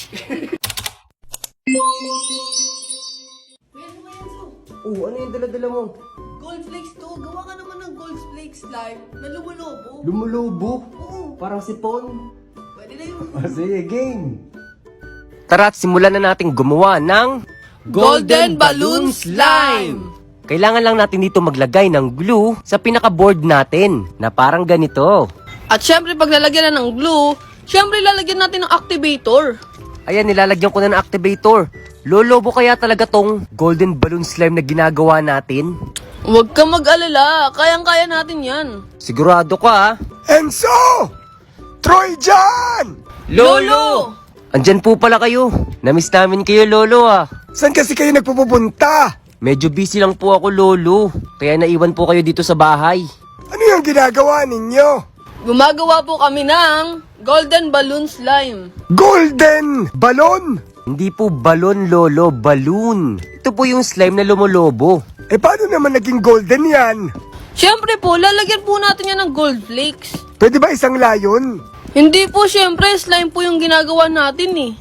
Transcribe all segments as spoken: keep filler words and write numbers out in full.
Enzo, Enzo. Oh, ano yung dala-dala mo? Gold flakes to. Gawa ka naman ng gold flakes slime na lumulobo. Lumulubo? Oo. Parang sipon? Pwede na yun. Ah, sige, game! Tara at simulan na natin gumawa ng Golden Balloon Slime! Kailangan lang natin dito maglagay ng glue sa pinaka-board natin na parang ganito. At syempre, pag lalagyan na ng glue, syempre lalagyan natin ng activator. Ayan, nilalagyan ko na ng activator. Lolobo kaya talaga tong golden balloon slime na ginagawa natin? Huwag ka mag-alala. Kayang-kaya natin yan. Sigurado ka ha? Enzo! Troy dyan! Lolo! Andyan po pala kayo. Namiss namin kayo, Lolo ah. Saan kasi kayo nagpupunta? Medyo busy lang po ako, Lolo. Kaya naiwan po kayo dito sa bahay. Ano yung ginagawa ninyo? Gumagawa po kami ng golden balloon slime. Golden balon? Hindi po balon, Lolo, balloon. Ito po yung slime na lumolobo. Eh paano naman naging golden yan? Syempre po, lalagyan po natin yan ng gold flakes. Pwede ba isang layon? Hindi po, syempre, slime po yung ginagawa natin eh.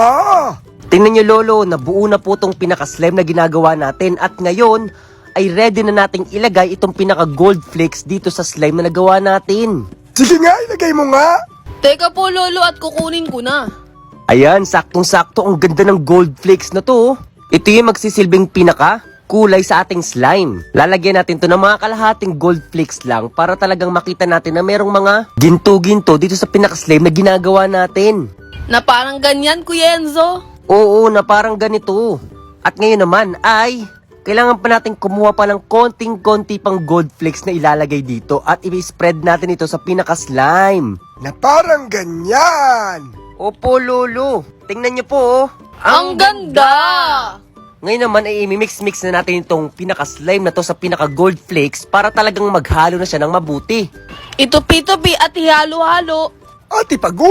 Ah! Tingnan nyo, Lolo, nabuo na po itong pinaka-slime na ginagawa natin. At ngayon, ay ready na nating ilagay itong pinaka-gold flakes dito sa slime na nagawa natin. Sige nga, ilagay mo nga! Teka po, Lolo, at kukunin ko na. Ayan, saktong-sakto ang ganda ng gold flakes na to. Ito yung magsisilbing pinaka kulay sa ating slime. Lalagyan natin to ng mga kalahating gold flakes lang para talagang makita natin na merong mga ginto-ginto dito sa pinaka-slime na ginagawa natin. Na parang ganyan, Kuya Enzo. Oo, na parang ganito. At ngayon naman ay kailangan pa natin kumuha pa ng konting-konti pang gold flakes na ilalagay dito at i-spread natin ito sa pinaka-slime. Na parang ganyan! Opo, Lolo. Tingnan niyo po, oh. Ang ganda! Ngayon naman ay imimix-mix na natin itong pinaka-slime na to sa pinaka-gold flakes para talagang maghalo na siya ng mabuti. Itupi-tupi at ihalo-halo. At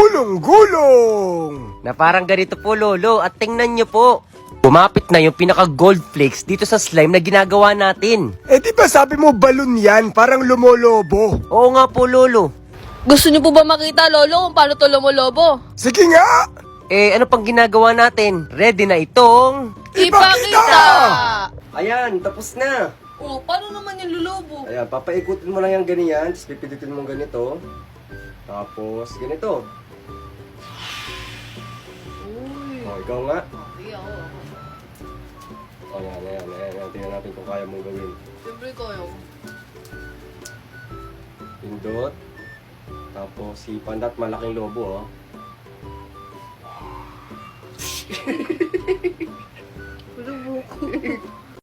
ipagulong-gulong! Na parang ganito po, Lolo. At tingnan niyo po. Bumapit na yung pinaka-gold flakes dito sa slime na ginagawa natin. Eh di ba sabi mo balon yan, parang lumolobo? Oo nga po, Lolo. Gusto niyo po ba makita, Lolo, kung paano to lumulobo? Sige nga! Eh, ano pang ginagawa natin? Ready na itong... Ipakita! Ayan, tapos na. Oh, paano naman yung lulubo? Ayan, papaikutin mo lang yung ganyan. Tapos pipindutin mo ganito. Tapos, ganito. Uy. O, ikaw nga. Okay, ako. O, ayan, ayan, ayan, ayan. Tingnan natin kung kaya mong gawin. Siyempre ko yun. Pindot. Tapos, si Pandat, malaking lobo, oh.